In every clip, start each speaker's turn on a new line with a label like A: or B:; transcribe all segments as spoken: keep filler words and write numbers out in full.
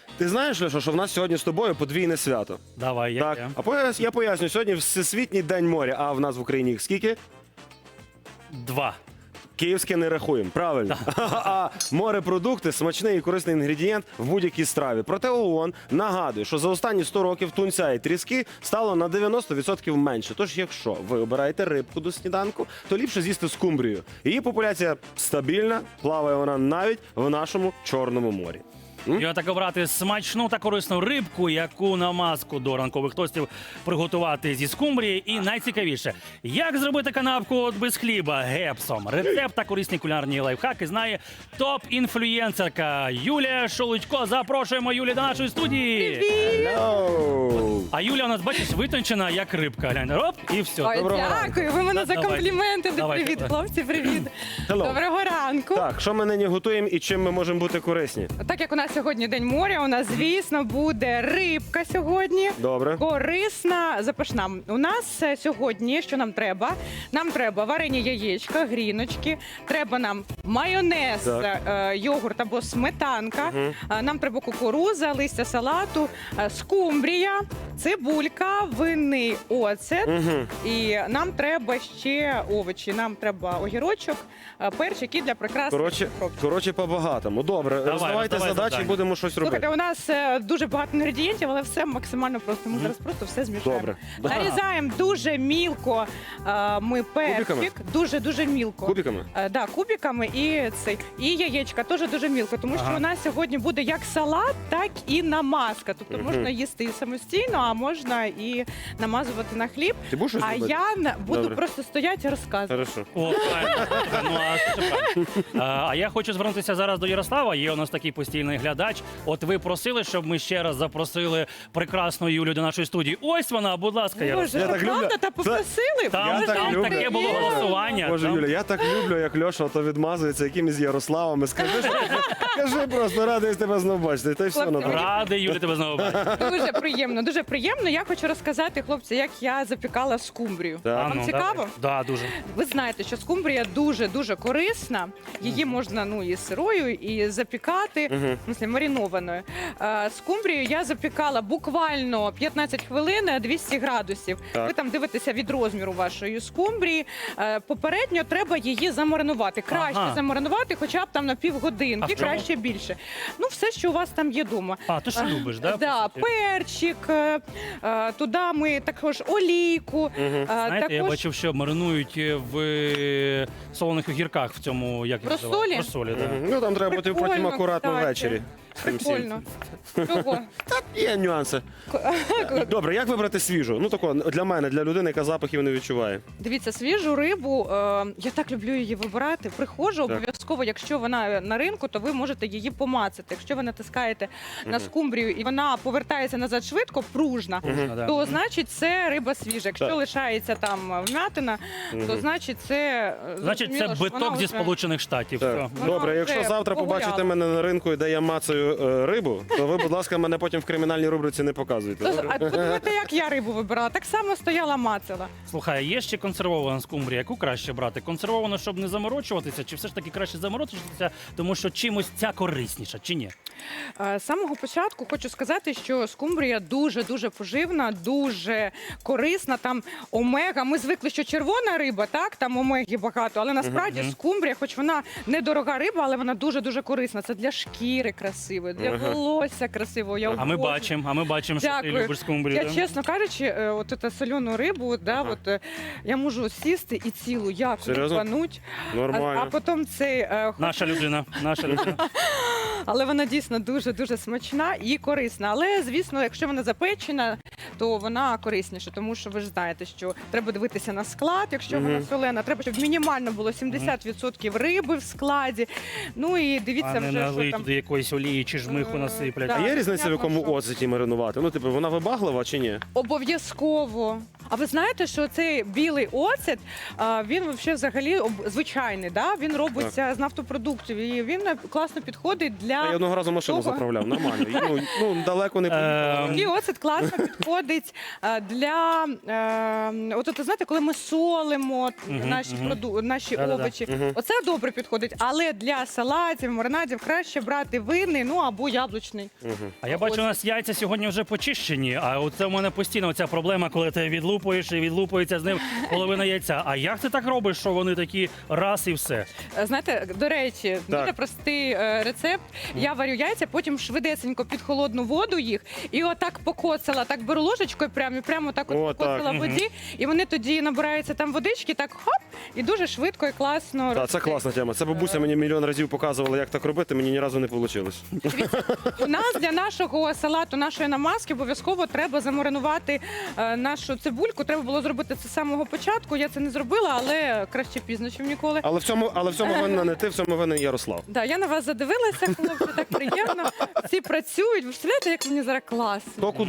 A: Ти знаєш, Леша, що в нас сьогодні з тобою подвійне свято?
B: Давай, я.
A: Так, а пояс- я поясню, сьогодні Всесвітній день моря, а в нас в Україні їх скільки?
B: Два.
A: Київське не рахуємо, правильно. А морепродукти – смачний і корисний інгредієнт в будь-якій страві. Проте ООН нагадує, що за останні сто років тунця і тріски стало на дев'яносто відсотків менше. Тож якщо ви обираєте рибку до сніданку, то ліпше з'їсти скумбрію. Її популяція стабільна, плаває вона навіть в нашому Чорному морі.
B: І отак обрати смачну та корисну рибку, яку намазку до ранкових тостів приготувати зі скумбрії. І найцікавіше, як зробити канапку от без хліба гепсом. Рецепт та корисні кулінарні лайфхаки знає топ-інфлюєнсерка Юлія Шолудько. Запрошуємо Юлію до нашої студії.
A: Hello!
B: А Юля у нас, бачиш, витончена, як рибка. Глянь, оп, і все.
C: Ой,
A: Доброго
C: дякую, ви мене
B: Да,
C: за
B: давай.
C: компліменти.
B: Давай,
C: Привіт,
B: давай.
C: хлопці, привіт.
A: Hello.
C: Доброго ранку.
A: Так, що ми нині готуємо і чим ми можемо бути корисні?
C: Так як у нас сьогодні День моря, у нас, звісно, буде рибка сьогодні.
A: Добре.
C: Корисна, запашна. У нас е, сьогодні, що нам треба? Нам треба варені яєчка, гріночки, треба нам майонез,
A: Так.
C: е, йогурт або сметанка, е, нам треба кукуруза, листя салату, е, скумбрія, цибулька, винний оцет.
A: Угу.
C: І нам треба ще овочі. Нам треба огірочок, е, перчик і для прикраси.
A: Коротше,
C: кропки.
A: коротше, по-багатому. Добре,
B: Давай,
A: роздавайте
B: роздавай
A: задачі,
B: завдання.
A: будемо щось робити.
C: Слухайте, у нас е, дуже багато інгредієнтів, але все максимально просто. Ми зараз просто все змішаємо.
A: Добре.
C: Нарізаємо дуже мілко е, ми перчик,
A: Кубиками?
C: дуже-дуже мілко.
A: Кубиками?
C: Е, да, кубиками і цей. І яєчка теж дуже мілко, тому що
B: Ага.
C: у нас сьогодні буде як салат, так і намазка. Тобто
A: Мгм.
C: можна їсти і самостійно, а можна і намазувати на хліб.
A: Ти будеш щось
C: А
A: робити?
C: я на- буду
A: Добре.
C: просто стояти і розказувати.
A: Хорошо.
B: О, правильно. Ну, а, це правильно. А, а я хочу звернутися зараз до Ярослава. Є у нас такий постійний глядач. От ви просили, щоб ми ще раз запросили прекрасну Юлю до нашої студії. Ось вона, будь ласка, Ярослав.
C: Боже,
A: Я
C: що
A: так люблю.
C: правда, та
A: Це-
C: попросили?
B: Там,
A: Я так
B: там
A: люблю.
B: таке було
C: Є.
B: голосування.
A: Боже,
B: там-
A: Юля, я так люблю, як Льоша то відмазується якимись Ярославами. Скажи, що- скажи просто, радий тебе знову бачити. Та й все
C: Хлопці,
A: на тому.
B: Радий, Юля, тебе знову бачити.
C: Дуже приємно, дуже приємно. Я хочу розказати, хлопці, як я запікала скумбрію.
A: Так.
C: Вам
B: А, ну,
C: цікаво?
B: давай. Да, дуже.
C: Ви знаєте, що скумбрія дуже-дуже корисна. Її можна ну і сирою, і запікати, в смысле, маринованою. Е, Скумбрію я запікала буквально п'ятнадцять хвилин, двісті градусів.
A: Так.
C: Ви там дивитеся від розміру вашої скумбрії. Е, Попередньо треба її замаринувати. Краще
B: Ага.
C: замаринувати хоча б там на
B: А
C: півгодинки,
B: в чому?
C: краще більше. Ну, все, що у вас там є вдома.
B: А, ти ж любиш, да?
C: Да,
B: по суті?
C: перчик, е, е, туди ми також олійку. е,
B: Знаєте, я
C: також
B: бачив, що маринують в е, солоних огірках в цьому, як їх
C: Розсолі?
B: називають? Розсолі, да.
A: Мгм. Ну там треба бути потім
C: Прикольно,
A: акуратно
C: кстати.
A: ввечері. з тим всім.
C: Прикольно. Чого?
A: Є нюанси. Добре, як вибрати свіжу? Ну тако, для мене, для людини, яка запахів не відчуває.
C: Дивіться, свіжу рибу, е, я так люблю її вибирати. Приходжу,
A: Так.
C: обов'язково, якщо вона на ринку, то ви можете її помацати. Якщо ви натискаєте на скумбрію і вона повертається назад швидко, пружна,
B: Можна, да.
C: то значить це риба свіжа. Якщо
A: Так.
C: лишається там вмятина, то значить це е,
B: Значить, це
C: зрозуміло, що
B: биток
C: вона
B: зі
C: вже-
B: Сполучених Штатів.
A: Так.
B: Все.
C: Вона
A: Добре,
C: вже
A: якщо завтра
C: погуляла.
A: побачите мене на ринку, де я мацаю е, рибу, то ви, будь ласка, мене потім в кримінальній рубриці не показуйте.
C: То-
A: Добре?
C: А подумайте, як я рибу вибирала. Так само стояла мацала.
B: Слухай, є ще консервована скумбрія. Яку краще брати? Консервовану, щоб не заморочуватися, чи все ж таки краще заморочуватися, тому що чимось ця корисніша, чи ні?
C: Е, З самого початку хочу сказати, що скумбрія дуже-дуже поживна, дуже корисна. Там омега. Ми звикли, що червона риба, так, там омеги багато, але насправді
B: Мгм.
C: скумбрія, хоч вона недорога риба, але вона дуже-дуже корисна. Це для шкіри красивої, для
A: Ага.
C: волосся красивого. Я
B: А ми
C: обожнюю.
B: бачимо, а ми бачимо, що ти
C: Дякую.
B: любиш скумбрію.
C: Я,
B: да?
C: чесно кажучи, е, от цю солену рибу, да,
A: Ага.
C: от, е, я можу сісти і цілу як
A: Серйозно?
C: рибануть, а,
A: Нормально.
C: а потім цей е,
B: Наша людина, наша людина.
C: але вона дійсно дуже-дуже смачна і корисна. Але, звісно, якщо вона запечена, то вона корисніша, тому що ви ж знаєте, що треба дивитися на склад, якщо вона
A: Мгм.
C: солена, треба, щоб мінімально було сімдесят відсотків риби в складі. Ну і дивіться
B: А не
C: вже, що
B: налий
C: там.
B: туди якоїсь олії чи жмиху
C: Е,
B: насиплять.
C: да.
A: А є різниця, в
C: Понятно,
A: якому
C: що.
A: оцеті маринувати? Ну, типу, вона вибаглива чи ні?
C: Обов'язково. А ви знаєте, що цей білий оцет, а, він вообще взагалі об- звичайний, да? Він робиться з нафтопродуктів, і він е, класно підходить для...
A: Я одного разу машину
C: Того.
A: заправляв, нормально. І, Ну, ну далеко не
B: Ем,
A: поїхав.
C: І оцет класно підходить підходить е, для е, от, от, знаєте, коли ми солимо
B: Мгм,
C: наші
B: мгм.
C: проду... наші
B: Да-да-да.
C: овочі.
A: Мгм.
C: Оце добре підходить, але для салатів, маринадів краще брати винний, ну або яблучний.
B: А я бачу, у нас яйця сьогодні вже почищені, а оце у мене постійно ця проблема, коли ти відлупуєш і відлупується з ним половина яйця. А як ти так робиш, що вони такі раз і все?
C: Е, Знаєте, до речі,
A: Так.
C: дуже простий е, рецепт. Я варю яйця, потім швидесенько під холодну воду їх, і отак покоцала, так беру ложечкою, прямо і прямо так от
A: О, так.
C: покоцала в воді, і вони тоді набираються там водички, так хоп, і дуже швидко і класно.
A: Так, це класна тема. Це бабуся мені мільйон разів показувала, як так робити, мені ні разу не вийшло.
C: У нас для нашого салату, нашої намазки обов'язково треба замаринувати е, нашу цибульку. Треба було зробити це з самого початку. Я це не зробила, але краще пізно, ніж ніколи.
A: Але в цьому, але в цьому винна не ти, в цьому винен Ярослав.
C: Да, я на вас задивилася, хлопці, так приємно. Всі працюють. Ви представляєте, як мені зараз класно.
A: То куди?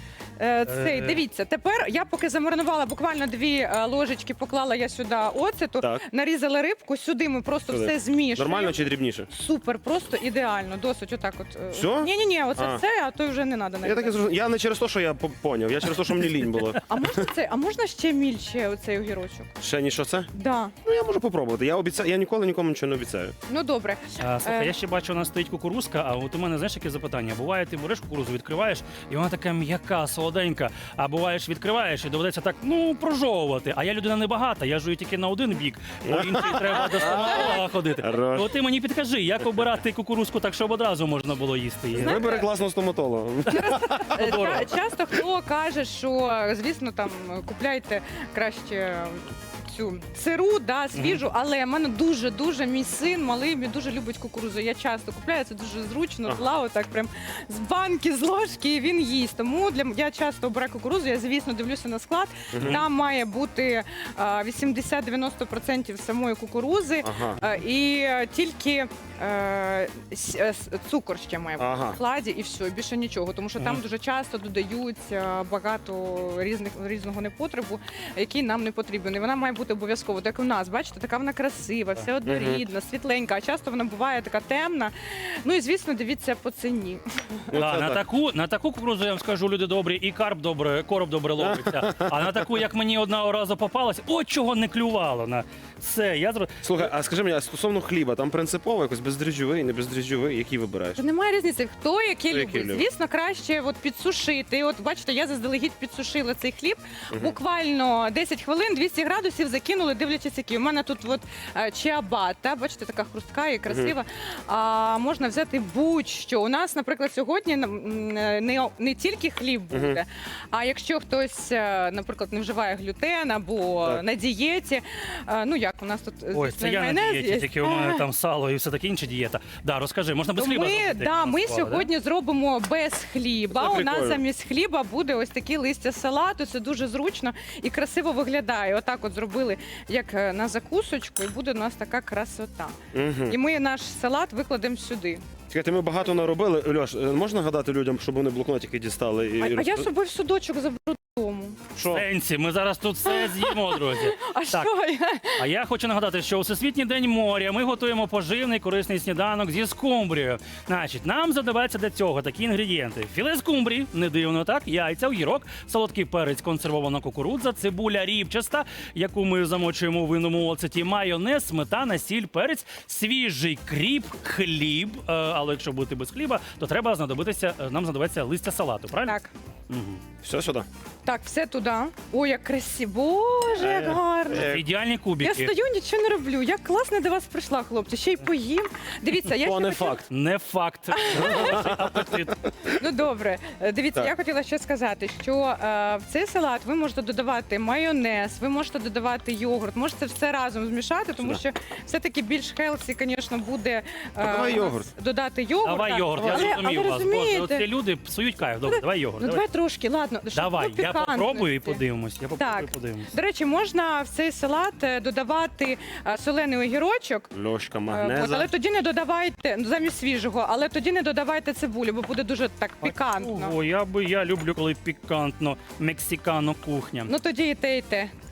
C: Е, Цей, дивіться, тепер я поки замаринувала буквально дві е, ложечки, поклала я сюди оцету,
A: Так.
C: нарізала рибку, сюди ми просто
A: Сюди.
C: все змішуємо.
A: Нормально чи дрібніше?
C: Супер, просто ідеально, досить отак от. е,
A: Всьо?
C: Ні-ні-ні, оце
A: А.
C: все, а то вже не треба.
A: Я так і зрозумів. Я не через те, що я по- поняв, я через те, що мені лінь було.
C: А можна це? А можна ще мільче оцей огірочок?
A: Ще ні, що це?
C: Да.
A: Ну я можу попробувати. Я обіцяю, я ніколи нікому нічого не обіцяю.
C: Ну добре.
B: А, слухай,
C: Е.
B: я ще бачу, у нас стоїть кукурузка, а от у мене, знаєш, яке запитання? Буває, ти береш кукурузу, відкриваєш, і вона така м'яка, солоденька, а буває ж відкриваєш, і доведеться так, ну, прожовувати. А я людина небагата, я жую тільки на один бік, по інший треба до стоматолога ходити.
A: Хорош.
B: От ти мені підкажи, як обирати кукурузку так, щоб одразу можна було їсти її.
A: Вибери класного стоматолога.
C: Е,
B: Дорого.
C: ча- Часто хто каже, що звісно там купляйте краще цю сиру, да, свіжу, але в мене дуже дуже мій син малий, він дуже любить кукурудзу. Я часто купляю, це дуже зручно,
A: Ага.
C: зла, отак прям з банки, з ложки, і він їсть. Тому для м- я часто обираю кукурудзу. Я звісно дивлюся на склад. Там має бути а, вісімдесят-дев'яносто відсотків самої кукурудзи.
A: Ага.
C: А, І е, тільки е, с- е, с- цукор ще має бути
A: Ага.
C: в складі, і все, більше нічого. Тому що там
B: Мгм.
C: дуже часто додають е, багато різних різного непотребу, який нам не потрібен. І вона має бути обов'язково. Так у нас, бачите, така вона красива, вся однорідна, світленька. А часто вона буває така темна. Ну і звісно, дивіться по ціні.
A: Ну,
B: Да,
A: це
B: на,
A: так.
B: таку, на таку кукурудзу, я вам скажу, люди добрі, і карп добре, короб добре ловиться. А на таку, як мені одного разу попалась, от чого не клювало. На все, я зро...
A: Слухай, а скажи мені, а стосовно хліба, там принципово якось бездріжджовий, не бездріжджовий, який вибираєш?
C: Та немає різниці, хто який
A: Хто
C: любить.
A: який любить.
C: Звісно, краще от підсушити. От бачите, я заздалегідь підсушила цей хліб. Буквально десять хвилин, двісті градусів закинули, дивлячись, який. У мене тут от е, чиабата, бачите, така хрустка і красива. А можна взяти будь-що. У нас, наприклад, сьогодні м, е, не, не тільки хліб буде, а якщо хтось, е, наприклад, не вживає глютен або
A: Так.
C: на дієті, е, ну як у нас тут
B: Ой,
C: звісно,
B: це я на
C: майонез
B: дієті,
C: є.
B: тільки у мене там сало і все таке інша дієта. Да, розкажи, можна без
C: То
B: хліба
C: ми,
B: зробити,
C: да,
B: як
C: ми
B: нас склали,
C: сьогодні зробимо без хліба.
A: Це
C: У нас
A: прикольно.
C: замість хліба буде ось такі листя салату. Це дуже зручно і красиво виглядає. Отак от зробили як е, на закусочку, і буде у нас така красота.
A: Угу.
C: І ми наш салат викладемо сюди.
A: Чекайте, ми багато наробили. Льош, е, можна гадати людям, щоб вони блокнотики дістали? І,
C: А,
A: і
C: а я
A: розп-
C: з собою в судочок заберу додому.
A: Що?
B: Сенсі, ми зараз тут все з'їмо, друзі.
C: А
B: Так.
C: що я?
B: А я хочу нагадати, що у Всесвітній день моря ми готуємо поживний корисний сніданок зі скумбрією. Значить, нам задаваються для цього такі інгредієнти: філе скумбрії, не дивно, так, яйця, огірок, солодкий перець, консервована кукурудза, цибуля рібчаста, яку ми замочуємо у винному оцеті, майонез, сметана, сіль, перець, свіжий кріп, хліб. Е, але якщо бути без хліба, то треба знадобитися, е, нам знадобиться листя салату, правильно?
C: Так.
B: Мгм.
A: Все сюди.
C: Так, все туди. Ой, як красиво. Боже, як
A: Е,
C: гарно.
A: е,
B: Ідеальні
C: Я
B: кубики.
C: стою, нічого не роблю. Як класно до вас прийшла, хлопці. Ще й поїм. Дивіться, я
A: То
C: ще
A: не
C: хотіла-
A: факт.
B: Не факт. Апетит.
C: Ну добре, Е, дивіться,
A: Так.
C: я хотіла ще сказати, що е, в цей салат ви можете додавати майонез, ви можете додавати йогурт, можете все разом змішати, тому
A: Сюди.
C: що все-таки більш хелсі, звісно, буде е,
A: А давай
C: у нас
A: йогурт.
C: додати йогурт.
B: Давай
C: так.
B: йогурт, я
C: Але-
B: зрозумів
C: але
B: вас. Боже,
C: розумієте,
B: оці люди псують кайф. Добре, давай йогурт.
C: ну
B: Давай,
C: давай трошки, ладно. щоб
B: давай
C: було
B: я попробую і
C: пікантності.
B: подивимось. Я попробую і
C: Так.
B: подивимось.
C: До речі, можна в цей салат е, додавати е, солений огірочок.
A: Льошка,
C: Е,
A: магнеза.
C: От, але тоді не додавайте ну, замість свіжого, але тоді не додавайте цибулю, бо буде дуже так пікантно.
B: Ого, я би я люблю, коли пікантно, мексикано кухня.
C: Ну тоді і те, і те.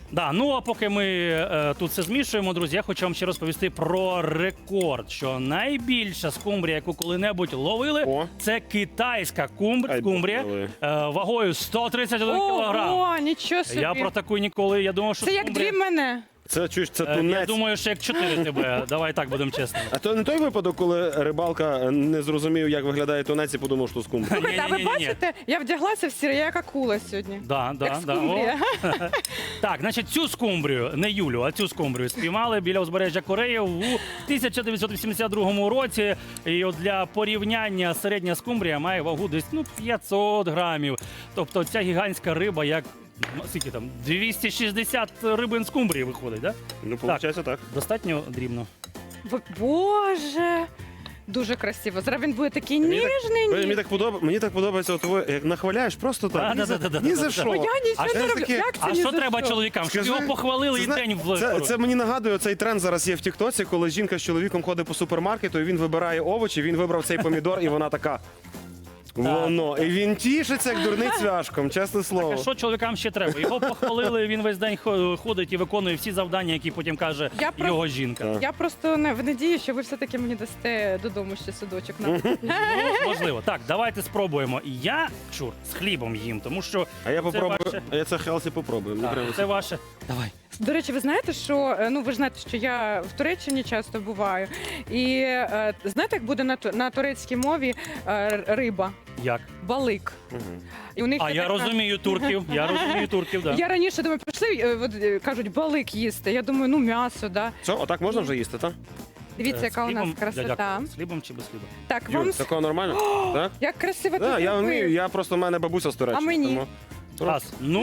B: Да, ну а поки ми е, тут все змішуємо, друзі, я хочу вам ще розповісти про рекорд, що найбільша скумбрія, яку коли-небудь ловили,
A: О.
B: це китайська кумбр,
A: Ай,
B: скумбрія
A: боже.
B: е, вагою сто тридцять один кілограм.
C: Ого, нічого собі.
B: Я про таку ніколи, я думав, що
C: Це як
B: скумбрія...
C: дві мене.
A: Це чуєш, це
B: Е,
A: тунець.
B: Я думаю, що як чотири тебе. Давай так будемо чесними.
A: А то не той випадок, коли рибалка не зрозумів, як виглядає тунець і подумав, що скумбрія.
C: Слухайте, а ви
B: Ні-ні-ні-ні.
C: бачите, я вдяглася в сіре, я як акула сьогодні.
B: Да, да,
C: Як
B: да.
C: скумбрія.
B: О. Так, значить, цю скумбрію, не Юлю, а цю скумбрію спіймали біля узбережжя Кореї у тисяча дев'ятсот вісімдесят другому році. І от для порівняння середня скумбрія має вагу десь ну, п'ятсот грамів. Тобто ця гігантська риба, як ну, скільки там, двісті шістдесят рибин скумбрії виходить, да?
A: Ну, виходить так.
B: Достатньо дрібно.
C: Бо- Боже, дуже красиво. Зараз він буде такий
A: Мені так-
C: ніжний.
A: Мені так подобається, мені так подобається, от ви як нахваляєш просто так. Ні за-
B: Да-да-да-да-да-да.
A: Ні за
B: Бо
A: що.
C: Бо я
B: А
C: нічого
B: що
C: не
A: ж
C: роблю.
A: таке?
C: Як це
B: А
C: ні
B: що
C: за
B: треба чоловікам? Щоб
A: Скажи,
B: його похвалили
A: це
B: і
A: зна-
B: день в
A: Це, це мені нагадує цей тренд зараз є в Тіктоці, коли жінка з чоловіком ходить по супермаркету, і він вибирає овочі, він вибрав цей помідор, і вона така. Воно. І він тішиться, як дурний цвяшком, чесне слово.
B: А що чоловікам ще треба? Його похвалили, він весь день хо- ходить і виконує всі завдання, які потім каже
C: Я про-
B: його жінка.
A: Так.
C: Я просто не в надії, що ви все-таки мені дасте додому ще судочок. на.
B: Ну, можливо. Так, давайте спробуємо. Я чур з хлібом їм, тому що
A: А я
B: це
A: попробую,
B: ваше.
A: а я це хелсі попробую. Мені
B: Так,
A: прямо
B: це ваше. Давай.
C: До речі, ви знаєте, що е, ну ви ж знаєте, що я в Туреччині часто буваю. І е, знаєте, як буде на, ту- на турецькій мові е, р- риба?
B: Як?
C: Балик.
A: Мгм.
C: І у них
B: А
C: є
B: я
C: така-
B: розумію турків. Я розумію турків, да.
C: Я раніше думаю, прийшли, е, от, е, кажуть, балик їсти. Я думаю, ну м'ясо, да.
A: Що, отак можна вже їсти, так?
C: Дивіться,
B: Е,
C: яка
B: з
C: у нас
B: хлібом?
C: красота.
B: Дядя, З хлібом чи без хліба?
C: Так, вам
A: Юль,
C: с-
A: такого нормально? Так?
C: як красиво
A: Да,
C: ти
A: я
C: зробив.
A: вмію, я просто в мене бабуся з Туреччини.
C: А мені?
A: тому-
B: Раз. Ну.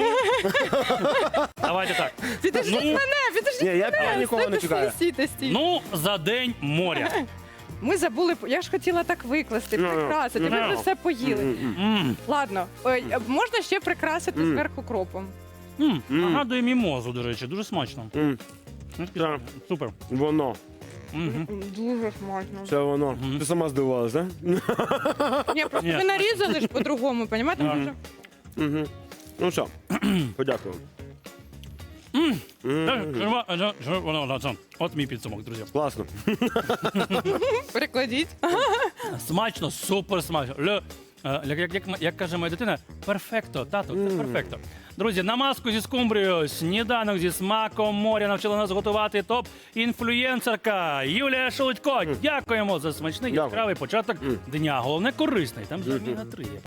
B: Давайте так.
C: Підождіть
B: Ну.
C: мене, підождіть
A: Ні, я,
C: мене.
A: я нікого не
C: Стійте,
A: чекаю.
C: Стійте, стійте.
B: Ну, за день моря.
C: Ми забули, я ж хотіла так викласти,
A: Ну,
C: прикрасити. Ви
B: ну.
C: вже все поїли.
A: М-м-м.
B: М,
C: Ладно, ой, можна ще прикрасити
A: Мм.
C: зверху кропом.
B: м,
A: М.
B: Нагадує мімозу, до речі, дуже смачно.
A: М,
B: Ну,
A: Так.
B: Супер.
A: Воно.
B: Мгм.
C: Дуже смачно.
A: Це воно.
B: Мгм.
A: Ти сама здивувалась, так?
C: Ні, просто
B: Ні,
C: ви нарізали ж по-другому, розумієте?
B: Ага.
C: Може?
A: Угу. Ну що, подякую.
B: М.
A: М,
B: Е, жива- е, жива- воно, да, це. От мій підсумок, друзі.
A: Класно.
C: Перекладіть.
B: Смачно, супер смачно. Ле, е, як, як, як, як каже моя дитина, перфекто, тато, це перфекто. Друзі, намазку зі скумбрією, сніданок зі смаком моря навчила нас готувати топ-інфлюєнсерка Юлія Шелудько. Дякуємо за смачний
A: Дякую.
B: яскравий початок
A: М.
B: дня. Головне корисний, там же омега три є.